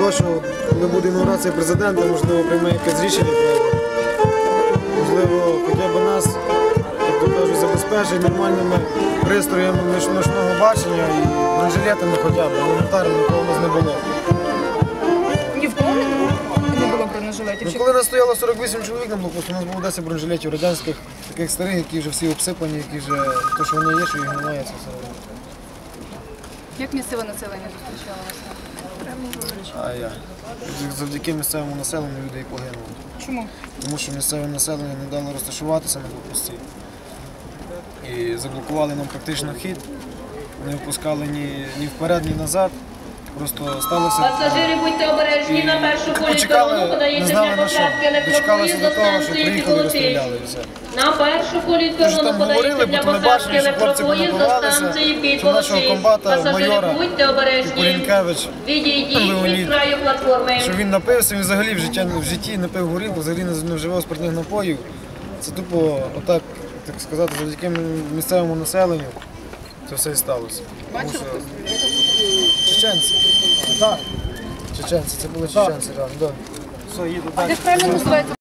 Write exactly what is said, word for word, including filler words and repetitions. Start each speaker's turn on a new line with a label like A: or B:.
A: того, що коли буде інаугурація президента, можливо, прийме якесь рішення, можливо, хоча б нас, як то кажуть, забезпечить нормальними пристроями ночного бачення і бронежилетами хоча б, елементарно, нікого у нас не було.
B: Ні в кого не було бронежилетів?
A: Ну, коли нас стояло сорок вісім чоловік на блокпосту, у нас було десять бронежилетів радянських, таких старих, які вже всі обсипані, які вже, то, що воно є, що їх немає, це все одно.
B: Як місцеве населення зустрічало вас?
A: А я. Завдяки місцевому населенню люди і погинули.
B: Чому?
A: Тому що місцеве населення не дало розташуватися на блокпості. І заблокували нам практично хід, не впускали ні, ні вперед, ні назад. Просто сталося.
C: Пасажири, будьте обережні, на першу полі перону подається для посадки електропоїзд до станції Підлотин. На першу полі перону подається для посадки електропоїзд до станції Підлотин. Пасажири, будьте обережні, відійдіть від краю платформи.
A: Що він напився, він взагалі в житті, в житті не пив горілку, взагалі не вживав спиртних напоїв. Це тупо, отак, так сказати, завдяки місцевому населенню це все і сталося.
B: Бачили, хто стріляє?
A: Чеченці. Так. Чеченці, це були чеченці, так.
B: А як правильно називається?